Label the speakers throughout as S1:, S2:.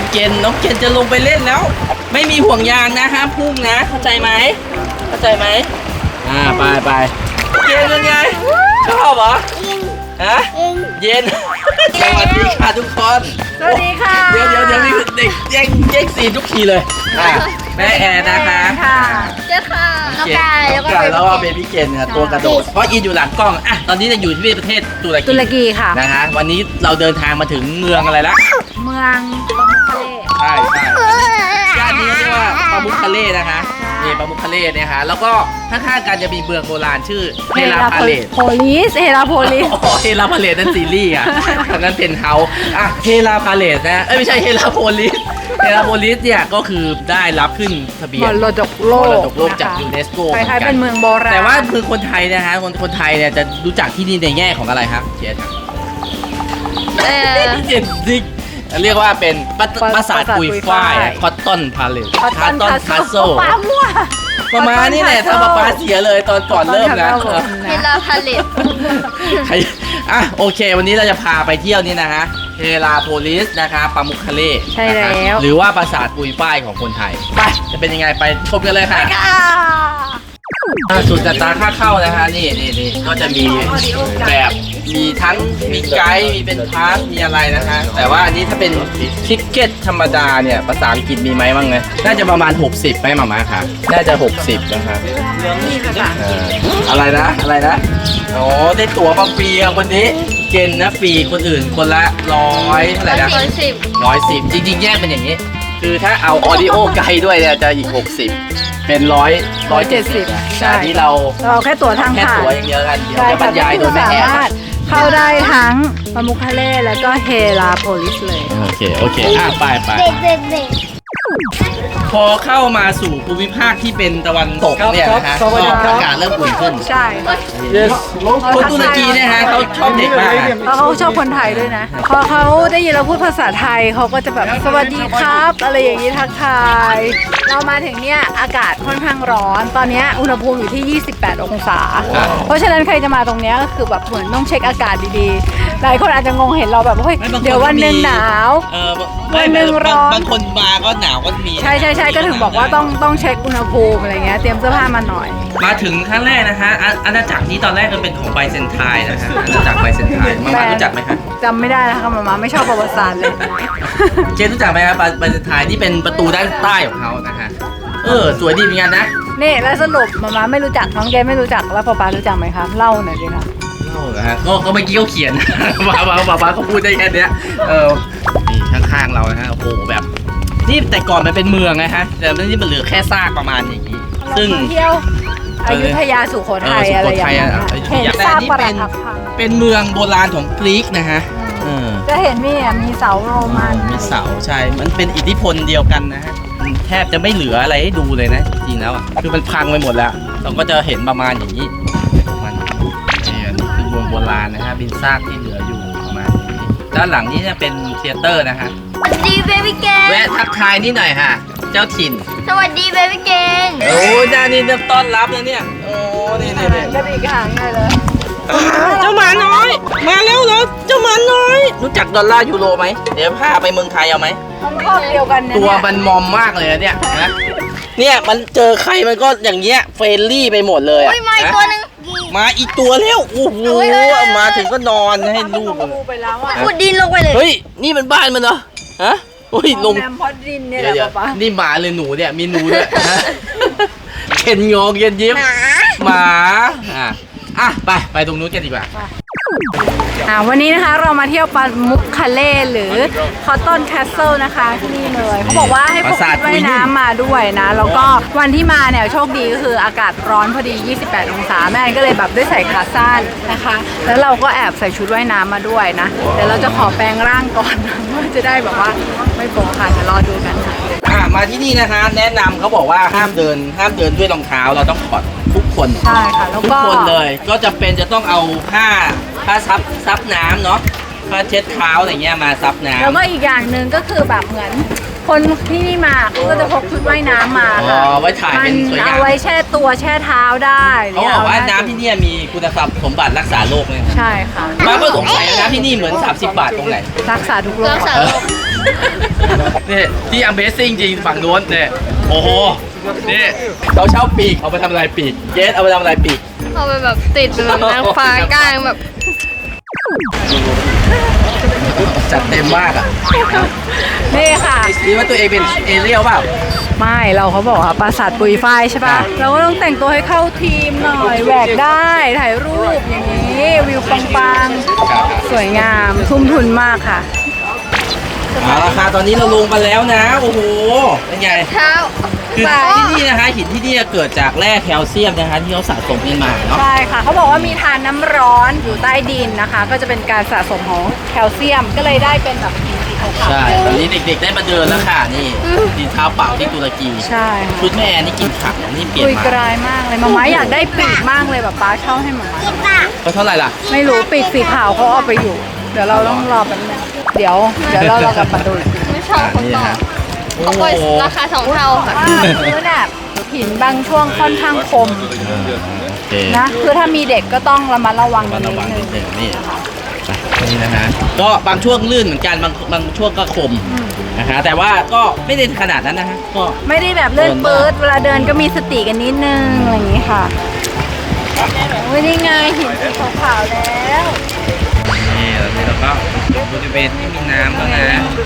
S1: เกณฑ์น้องเกณฑ์จะลงไปเล่นแล้ว ไม่มีห่วงยางนะห้ามพุ่งนะเข้าใจไหมเข้าใจไหมไปเกณฑ์เป็นไงชอบเหรอฮะเย็นสวัสดีค่ะทุกคน
S2: สวัสดีค่ะ
S1: เดี๋ยวมีเด็กแย่งซีนทุกทีเลยแม่แอนนะคะ
S2: เจ้าค่ะน้องกายแล้วก็
S1: แล้วก็เบบี้เกนตัวกระโดดเพราะอินอยู่หลังกล้องอ่ะตอนนี้จะอยู่ที่ประเทศตุรกี
S2: ค่ะ
S1: นะฮะวันนี้เราเดินทางมาถึงเมืองอะไรละ
S2: เมืองบังคาเล่
S1: ใช่ย่านนี้เรียกว่าปามุคคาเล่นะคะนี่ปามุคคาเล่เนี่ยฮะแล้วก็ข้างๆกันจะมีเมืองโบราณชื่อเฮราพาเลต
S2: โพลิสเฮราโพลิส
S1: เฮราพาเลตนั่นซีรีส์อ่ะทางนั้นเป็นเฮาอ่ะเฮราพาเลตนะไม่ใช่เฮราโพลิสเฮราโพลิสเนี่ยก็คือได้รับขึ้นทะเบียน
S2: มรดกโล
S1: มร
S2: ก
S1: ดกโลกจากยูเนสโก
S2: คล้ายๆเป็นเมืองโบราณ
S1: แต่ว่าคือคนไทยนะฮะคนไทยเนี่ยจะรู้จักที่นี่ในแง่ของอะไรครับเจนเจนดิกเรียกว่าเป็นปราสาทปุยฝ้ายคอตตอนพาเลตคอตตอนคาสเซิล
S2: ป้ามั่ว
S1: ประมาณนี้แหละถ้าป้าเสียเลยตอนก่อนเริ่มนะ
S2: เฮราพาเลต
S1: โอเค วันนี้เราจะพาไปเที่ยวนี่นะฮะเฮราโพลิสนะคะปามุคคาเล่
S2: ใช่แล้ว
S1: หรือว่าปราสาทปุยฝ้ายของคนไทยไปจะเป็นยังไงไปชมกันเลยค่ะสุดแต่ตาค่าเข้านะฮะนี่ก็จะมีแบบมีทั้งมีไกด์มีเป็นพาสมีอะไรนะฮะแต่ว่าอันนี้ถ้าเป็นทิกเก็ตธรรมดาเนี่ยภาษาอังกฤษมีไหมบ้างไงน่าจะประมาณ60ไหมหมาค่ะน่าจะ60นะคะอะไรนะอ๋อได้ตั๋วมาฟรีคนนี้เกณฑ์นะฟรีคนอื่นคนละ100เท่าไหร่นะ110จริงๆแยกเป็นอย่างนี้คือถ้าเอาออดิโอไกด์ด้วยเนี่ยจะอีก60เป็น170แต่ที่เรา
S2: แค่ตั๋วทาง
S1: แค่
S2: ผ่าน
S1: ตั๋วอย่างเดียวกันเดี๋ยวจะบรรยายโดยไม่แอบ
S2: สามารถเข้าได้ทั้งปามุคคาเล่แล้วก็เฮราโพลิสเลย
S1: โอเคไปพอเข้ามาสู่ภูมิภาคที่เป็นตะวันตกเนี่ยนะฮะอากาศเริ่มอุ่นขึ้น
S2: ใช่
S1: คนตุรกีเนี่ยฮะเขาชอบเด็กมาก
S2: เพราะเขาชอบคนไทยด้วยนะ พอเขาได้ยินเราพูดภาษาไทยเขาก็จะแบบสวัสดีครับ อะไรอย่างนี้ทักทาย เรามาถึงเนี่ยอากาศค่อนข้างร้อน ตอนนี้อุณหภูมิอยู่ที่ 28 องศา เพราะฉะนั้นใครจะมาตรงเนี้ยก็คือแบบเหมือนต้องเช็คอากาศดีๆ หลายคนอาจจะงงเห็นเราแบบเฮ้ยเดี๋ยววันหนึ่งหนาว วันหนึ่งร้อน
S1: บางคนมาก็หนาวก็มี
S2: ใช่ก็ถึงบอกว่าต้องเช็คอุณหภูมิอะไรเงี้ยเตรียมเสื้อผ้ามาหน่อย
S1: มาถึงครั้งแรกนะคะอาณาจักรนี้ตอนแรกมันเป็นของไบเซนไทน์นะฮะอาณาจักรไบเซนไทน์มารู้จักไหมคะ
S2: จำไม่ได้แล้วค่ะมาไม่ชอบประวัติศาสตร์เลย
S1: เจนรู้จักไหมครับไบเซนไทน์นี่เป็นประตูด้านใต้ของเขานะฮะสวยดีเหมือนกันนะ
S2: นี่แล้วสรุปมาไม่รู้จักน้องเกมไม่รู้จักแล้วป๊ารู้จักไหมคะเล่าหน่อยสิคะ
S1: เล่าเหรอฮะก็เมื่อกี้เขาเขียน ป้าเขาพูดได้แค่เนี้ยนี่ข้างๆเรานะฮะโอ้โหแบบนี่แต่ก่อนมันเป็นเมืองนะฮะแต่นี่มันเหลือแค่ซากประมาณอย่างนี้ซึ่ง
S2: เที่ยวอยุธยาสุโขทัยอะไรอย่างเงี้ยเห็นซากปรักหักพัง
S1: เป็นเมืองโบราณของกรีกนะฮะ
S2: จะเห็นมีเสาโรมัน
S1: มีเสาใช่ มันเป็นอิทธิพลเดียวกันนะฮะแทบจะไม่เหลืออะไรให้ดูเลยนะจริงๆแล้วอ่ะคือมันพังไปหมดแล้วเราก็จะเห็นประมาณอย่างนี้มันนี่คือเมืองโบราณนะฮะเป็นซากที่เหลืออยู่ประมาณนี้ด้านหลังนี้จะเป็นเธียเตอร์นะฮะ
S3: สวัสดีเบบี้เกน
S1: แวะทักทายนิดหน่อยค่ะเจ้าถิ่น
S3: สวัสดีเบบี้เกน
S1: โอ้ยด้านนี้ต้อนรับนะเนี่ยโอ้นี่
S2: กระดิกหางเลย
S1: เจ้าหมาน้อยมาแล้วเหรอเจ้าหมาน้อยรู้จักดอลลาร์ยูโรไหมเดี๋ยวพาไปเมืองไทยเอาไหม
S2: มันครอบเดียวกันเนี่ย
S1: ตัวมันมอมมากเลยเนี่ยนะเนี่ยมันเจอใครมันก็อย่างเงี้ยเฟรนลี่ไปหมดเลย
S3: อุ้ยมาอีกตัวหนึง
S1: มาอีกตัวแล้วโอ้โหมาถึงก็นอนให้ลูก
S2: ไปแล้วอ่ะ
S3: ขุดดินลงไปเลย
S1: เฮ้ยนี่มันบ้านมันเหรอฮะโอ้ยลง
S2: น้ำพอดดินเนี่ยแหละ
S1: เดี๋ยว
S2: ป๊า
S1: นี่หมาเลยหนูเนี่ยมีหนูด้วยฮะเข็นงอเย็นยิ้ม
S3: หมา
S1: หมาไปตรงนู้นกันดีกว่า
S2: วันนี้นะคะเรามาเที่ยวปามุคคาเล่หรือคอตตอนแคสเซิลนะคะที่นี่เลยเขาบอกว่าให้พกชุดว่ายน้ำมาด้วยนะแล้วก็วันที่มาเนี่ยโชคดีก็คืออากาศร้อนพอดี 28 องศาแม่ก็เลยแบบได้ใส่ขาสั้นนะคะ แล้วเราก็แอบใส่ชุดว่ายน้ำมาด้วยนะเดี๋ยวเราจะขอแปลงร่างก่อนเพื่อจะได้แบบว่าไม่โป๊ะค่ะเดี๋ยวรอดูกันค่ะ
S1: มาที่นี่นะคะแนะนำเขาบอกว่าห้ามเดินด้วยรองเท้าเราต้องถอดทุกคน
S2: ใช่ค่ะแล้ว
S1: ทุก
S2: ก็
S1: คนเลยก็จะเป็นจะต้องเอาผ้าซับน้ำเนาะผ้าเช็ดเท้าอะไรเงี้ยมาซับน้ำ
S2: แล้วก็อีกอย่างหนึ่งก็คือแบบเหมือนคนที่นี่มาเขาก็จะพกชุดว่ายน้ำมา
S1: อ๋
S2: ค่ะ
S1: อไว้ถ่ายเป็นสวยงาม
S2: เอาไว้แช่ตัวแช่เท้าได้
S1: เขาบอกว่าน้ำที่เนี่ยมีคุณสมบัติรักษาโรคเลย
S2: ใช่ค่ะ
S1: มาก็สงสัยนะน้ำที่นี่เหมือน30 บาทตรงไหน
S2: รักษาทุกโรค
S3: รักษาโรค
S1: นี่ที่ Amazing จริงฝั่งโน้นเนี่ยโอ้โหนี่เขาเช่าปีกเอาไปทำอะไรปีกเจสเอาไปทำอะไรปีก
S3: เอาไปแบบติดเป็นแบบนางฟ้ากลางแบบ
S1: จัดเต็มมากอ่ะ
S2: นี่ค่ะ
S1: คิดว่าตัวเองเป็นเอเรียลเปล่า
S2: ไม่เราเขาบอกว่าปราสาทปุยฝ้ายใช่ป่ะ เราก็ต้องแต่งตัวให้เข้าทีมหน่อยแหวกได้ถ่ายรูปอย่างนี้วิวปังๆสวยงามทุ่มทุนมากค่ะ
S1: เอาราคาตอนนี้เราลงมาแล้วนะโอ้โหเป็นไง
S3: เท้า
S1: คือที่นี่นะคะหินที่นี่เกิดจากแร่แคลเซียมนะคะที่เขาสะสมกันมาเนาะ
S2: ใช่ค่ะเขาบอกว่ามีทานน้ำร้อนอยู่ใต้ดินนะคะ ก็จะเป็นการสะสมของแคลเซียมก็เลยได้เป็นแบบหินสีขาว
S1: ใช่ตอนนี้เด็กๆได้มาเดินแล้วค่ะนี่ดินเท้าเปล่าที่ตุรกี
S2: ๆใช่ค่ะ
S1: ชุดแม่นี่กินผักนี่เปลี่ยน
S2: คุย
S1: มาก
S2: ลายมากเลยมาม่าอยากได้ปีกมากเลยแบบป้าเช่าให้มาม่า
S1: เขาเท่าไหร่ล่ะ
S2: ไม่รู้ปีกสีขาวเขาเอาไปอยู่ เดี๋ยวเราต้องรอแป๊บนึงเดี๋ยวเรากลับมาดูอีกที
S3: ไม่ชอบคน
S1: นี่
S3: ต่อ
S1: ฮะโอ้
S3: เขา
S1: โห
S3: เปิดราคา2 เท่าค่ะ
S2: ว่าพื้นแบบหินบางช่วงค่อนข้างคม
S1: โอเค
S2: นะคือถ้ามีเด็กก็ต้องระมัดระวัง
S1: มา
S2: นิ
S1: ระ
S2: ด
S1: วัง
S2: นึ
S1: นิ
S2: ง
S1: ดหนึ่งนี่นี่นะฮะก็บางช่วงลื่นเหมือนกันบางช่วงก็คมนะคะแต่ว่าก็ไม่ได้ขนาดนั้นนะฮะก็
S2: ไม่ได้แบบเลื่อนปื๊ดเวลาเดินก็มีสติกันนิดนึงอะไรอย่างนี้ค่ะโอ้ยนี่ไงหินสีขาวๆแล้ว
S1: นี่แล้วนี่เราก็อยู่บริเวณที่มีน้ำแล้วนะ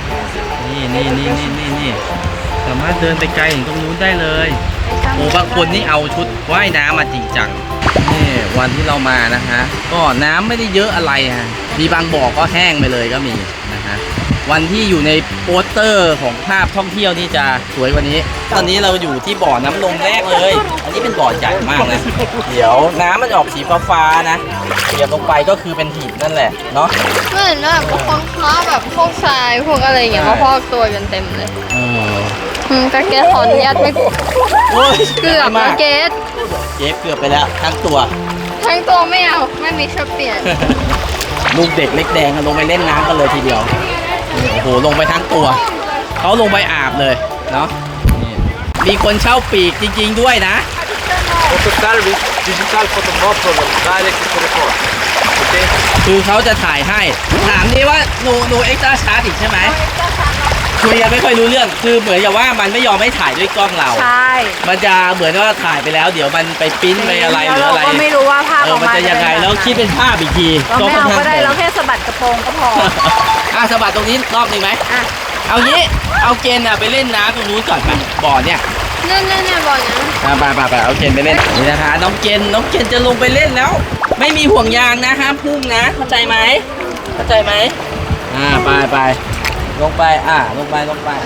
S1: นี่สามารถเดินไปไกลถึงตรงนู้นได้เลยโอ้บางคนนี่เอาชุดว่ายน้ำมาจริงจังนี่วันที่เรามานะฮะก็น้ำไม่ได้เยอะอะไรฮะมีบางบ่อก็แห้งไปเลยก็มีนะฮะวันที่อยู่ในโปสเตอร์ของภาพท่องเที่ยวนี่จะสวยกว่านี้ ตอนนี้เราอยู่ที่บ่อน้ำนมแรกเลย อันนี้เป็นบ่อใหญ่มากนะเดี๋ยวน้ำมันออกสีฟ้าๆนะเหยียบลงไปก็คือเป็นหินนั่นแหละเนาะ
S3: เหมือนแบบคนค้าแบบพวกทรายพวกอะไรอย่างเงี้ยมาพอกตัวกันเต็มเลย แต่เกดขออนุญาตไม่
S1: โอ้ย
S3: เกือบ
S1: มา
S3: นะเกด
S1: เจ็บเกือบไปแล้วทั้งตัว
S3: ทั้งตัวไม่เอาไม่มีชุดเปลี่ยน
S1: ลูกเด็กเล็กแดงลงไปเล่นน้ำกันเลยทีเดียวโอ้โหลงไปทั้งตัวเขาลงไปอาบเลยเนาะนี่มีคนเช่าปีกจริงๆด้วยนะ
S4: Auto service, digital photo no problem, direct to record. Okay?
S1: คือเขาจะถ่ายให้ถามนี่ว่าหนูเอ็กซ์ตร้าชาร์จอีกใช่ไหมคุยกันไม่ค่อยรู้เรื่องคือเหมือนกับว่ามันไม่ยอมให้ถ่ายด้วยกล้องเรา
S2: ใช่
S1: มันจะเหมือนว่าถ่ายไปแล้ว เดี๋ยวมันไปปริ้นไปอะไรหรือ
S2: เรา
S1: อะไร
S2: ก็ไม่รู้ว่าภาพออก
S1: มัน
S2: มา
S1: จะยังไงแล้วคิดเป็นภาพอีกที
S2: ก็ไม่เอาก็ได้
S1: ค่อนข้าง
S2: เราแค่สะบัดกระโปรงก็พอ
S1: สะบัดตรงนี้รอบหนึ่งไหม
S2: อ่ะ
S1: เอางี้เอาเกณฑ์ไปเล่นน้ำตรงนู้นก่อนไปบ่อเนี่ย
S3: นั่นบอกอย่างนั้น
S1: ไปเอาเกณฑ์ไปเล่นนี่นะคะน้องเกณฑ์จะลงไปเล่นแล้ว ไม่มีห่วงยางนะห้ามพุ่งนะเข้าใจไหมไปลงไปลงไป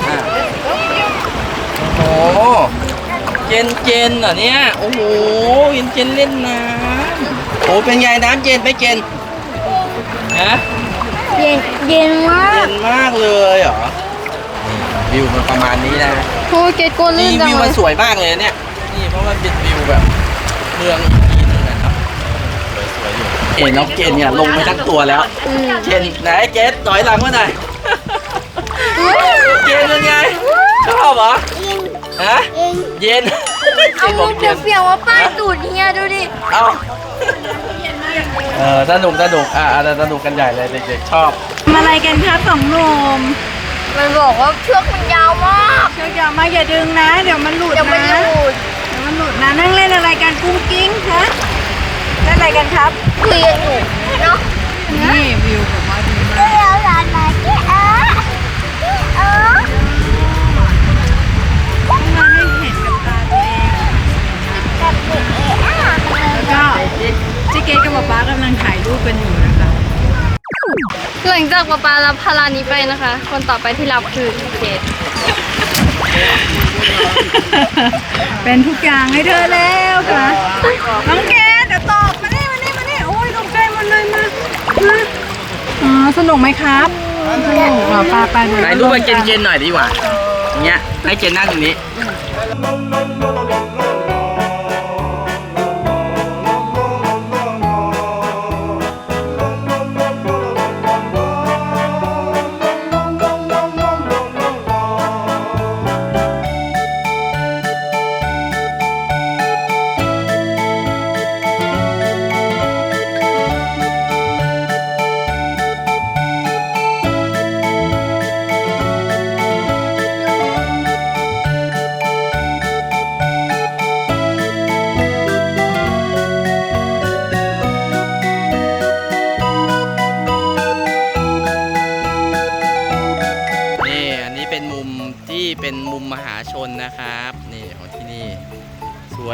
S1: โอ้โหเกณฑ์เหรอเนี่ยโอ้โหเกณฑ์เล่นน้ำโอ้เป็นไงน้ำเย็นไปเกณฑ์ฮะ
S3: เย็นมาก
S1: เย็นมากเลยเหรอวิวมันประมาณนี้นะ
S3: โอ้เกดกลัวลื่
S1: นี่
S3: นจัง
S1: วิว
S3: เล
S1: มัน
S3: ย
S1: สวยมากเลยเนี่ยนี่เพราะมันเป็นวิวแบบเมืองอีกทีนึงนะครับสวยๆอยู่น้องเกณฑ์เนี่ยลงไปทั้งตัวแล้วเกณฑ์ไหนเกณฑ์ถอยหลังมาหน่อยเกณฑ์เป็นไงชอบเหรอฮะเย็นเก
S3: เอา
S1: ณฑ์บ
S3: มื
S1: อก
S3: อ
S1: เย็น
S3: เปียกๆว่าป้ายตูดเฮียดูดิ
S1: เอาสนุกสนุกกันใหญ่เลยเด็กๆชอบ
S2: มาอะไรกันคะสองหนุ่ม
S3: มันบอกว่าเชือกมันยาวมาก
S2: เชือกยาวมากอย่าดึงนะ เดี๋ยวมันหลุด
S3: เดี๋ยวมัน
S2: นะ
S3: หลุด
S2: เดี๋ยวมันหลุดนะนั่งเล่นอะไรกันกุ้งกิ้งฮะเล่นอะไรกันครับ
S3: คุยกันอยู่เนาะ
S2: นี่วิวผมว่าดีมาก
S3: เดี๋ยวหลานมาที่
S2: ต้องมาให้เห็นกับตาตัวเองแล้วก็เจ๊เกดกับป๊าป๊ากำลังถ่ายรูปกันอยู่นะคะ
S3: หลังจากป๊ารับพารานี้ไปนะคะ คนต่อไปที่รับคือเกด
S2: เป็นทุกอย่างให้เธอแล้วค่ะน้องเกดเดี๋ยวตอบมานี่โอ้ยตกใจหมดเลยมาอ๋อสนุกไหมครับสนุกเหรอป้าดู
S1: ถ่ายรูปไปเกณฑ์หน่อยดีกว่าอย่างเงี้ยให้เกณฑ์นั่งตรงนี้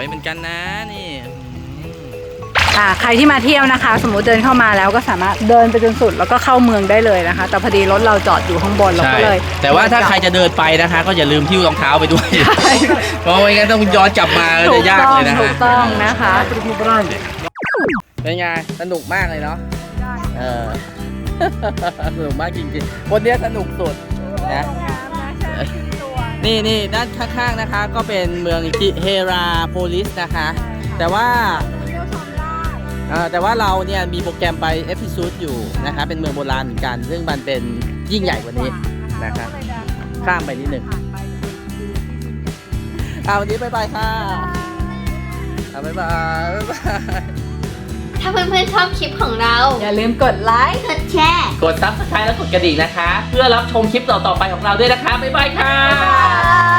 S1: วยเหมือนกันนะนี่
S2: ใครที่มาเที่ยวนะคะ สมมุติเดินเข้ามาแล้วก็สามารถเดินไปจนสุดแล้วก็เข้าเมืองได้เลยนะคะ แต่พอดีรถเราจอดอยู่ข้างบนเรา
S1: ใช่
S2: ก็เลย
S1: แต่ว่าถ้าใครจะเดินไปนะคะ ก็อย่าลืมทิ้วรองเท้าไปด้วย เพราะไม่งั้นต้องย้อนกลับมาก็
S2: ถู
S1: จะ
S2: ก
S1: ยาก
S2: ต้อง
S1: เลยนะ
S2: ถู
S1: ฮะ
S2: กต้องนะคะ
S1: เป็นไงสนุกมากเลยเนาะสนุกมากจริงๆคนเนี้ยสนุกสุดนะนี่ด้านข้างๆนะคะ ก็เป็นเมืองเฮราโพลิสนะคะ แต่ว่าเราเนี่ยมีโปรแกรมไปเอพิซูดอยู่นะคะ เป็นเมืองโบราณเหมือนกัน ซึ่งมันเป็นยิ่งใหญ่กว่านี้นะคะข้ามไปนิดหนึ่งวันนี้บ๊ายบายค่ะบ๊ายบาย
S3: ถ้าเพื่อนๆชอบคลิปของเรา
S2: อย่าลืมกดไลค์
S3: กดแชร์
S1: กด Subscribe และกดกระดิ่งนะคะ เพื่อรับชมคลิปต่อๆไปของเราด้วยนะคะ บ๊ายบายค่ะ
S2: บ๊ายบาย